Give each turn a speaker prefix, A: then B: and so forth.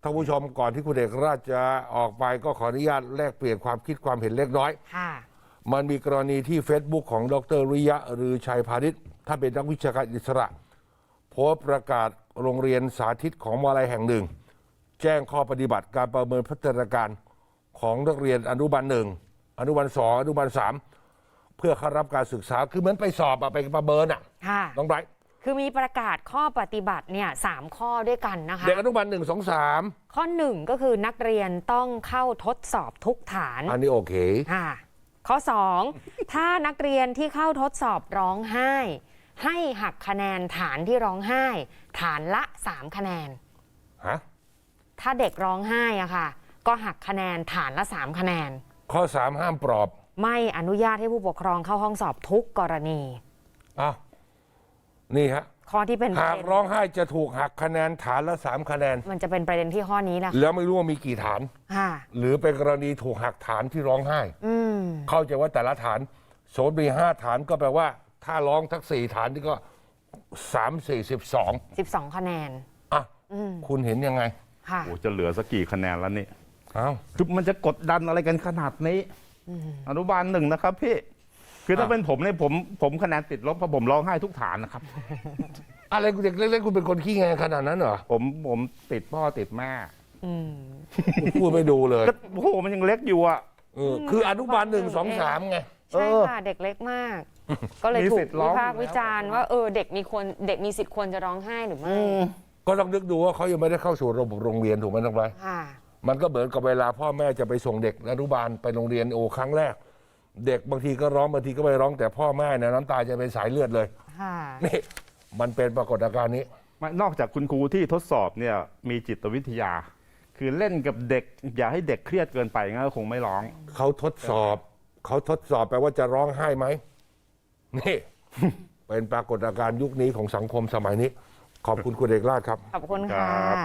A: ท่านผู้ชมก่อนที่คุณเอกราชจะออกไปก็ขออนุญาตแลกเปลี่ยนความคิดความเห็นเล็กน้อย
B: ค่ะ
A: มันมีกรณีที่ Facebook ของดร.ริยะหรือชัยพาณิชย์ถ้าเป็นนักวิชาการอิสระโพสต์ประกาศโรงเรียนสาธิตของมหาลัยแห่งหนึ่งแจ้งข้อปฏิบัติการประเมินพัฒนาการของนักเรียนอนุบาล1อนุบาล2อนุบาล3เพื่อเข้ารับการศึกษาคือเหมือนไปสอบไปประเมิน
B: ค่ะ
A: น้องไบรท์
B: คือมีประกาศข้อปฏิบัติเนี่ย3 ข้อด้วยกันนะคะ
A: เด็กอนุบาล1 2 3
B: ข้อ1ก็คือนักเรียนต้องเข้าทดสอบทุกฐาน
A: อันนี้โอเค
B: ค่ะข้อ2ถ้านักเรียนที่เข้าทดสอบร้องไห้ให้หักคะแนนฐานที่ร้องไห้ฐานละ3 คะแนน
A: ฮะ
B: ถ้าเด็กร้องไห้อะค่ะก็หักคะแนนฐานละ3 คะแนน
A: ข้อ3ห้ามปลอบ
B: ไม่อนุญาตให้ผู้ปกครองเข้าห้องสอบทุกกรณี
A: อ้าวนี่ฮะ
B: ข้อที่เป็น
A: หากร้องไห้จะถูกหักคะแนนฐานละ3 คะแนน
B: มันจะเป็นประเด็นที่ข้อนี้นะ
A: แล้วไม่รู้ว่ามีกี่ฐานหรือเป็นกรณีถูกหักฐานที่ร้องไห้เข้าใจว่าแต่ละฐานสมมติมี5 ฐานก็แปลว่าถ้าร้องทั้ง4 ฐานนี่ก็3 4
B: 12 คะแนน
A: อ่ะคุณเห็นยังไง
B: ค่ะ
C: โอ้จะเหลือสักกี่คะแนนแล้วนี่
A: คือ
C: มันจะกดดันอะไรกันขนาดนี้อนุบาล1นะครับพี่คือถ้าเป็นผมเนี่ยผมคะแนนติดลบเพราะผมร้องไห้ทุกฐานนะครับ
A: อะไรเด็กเล็กๆคุณเป็นคนขี้แงขนาดนั้นเหรอ
C: ผมติดพ่อติดแม่
A: พูดไม่ดูเลย
C: โอ้โหมันยังเล็กอยู่อ่ะ
A: คืออนุบาล1 2 3ไง
B: ใช่ค่ะเด็กเล็กมากก็เลยถูกวิพากษ์วิจารณ์ว่าเด็กมีสิทธิ์ควรจะร้องไห้หรือไม่
A: ก็ต้องนึกดูว่าเขายังไม่ได้เข้าสู่ระบบโรงเรียนถูกไหมน้องไบรท์มันก็เหมือนกับเวลาพ่อแม่จะไปส่งเด็กอนุบาลไปโรงเรียนครั้งแรกเด็กบางทีก็ร้องบางทีก็ไม่ร้องแต่พ่อแม่เนี่ยน้ำตาจะเป็นสายเลือดเลยนี่มันเป็นปรากฏการณ์นี้
C: นอกจากคุณครูที่ทดสอบเนี่ยมีจิตวิทยาคือเล่นกับเด็กอย่าให้เด็กเครียดเกินไปงั้นก็คงไม่ร้อง
A: เขาทดสอบแปลว่าจะร้องไห้ไหมนี่เป็นปรากฏการณ์ยุคนี้ของสังคมสมัยนี้ขอบคุณคุณเอกราชครับ
B: ขอบคุณค่ะ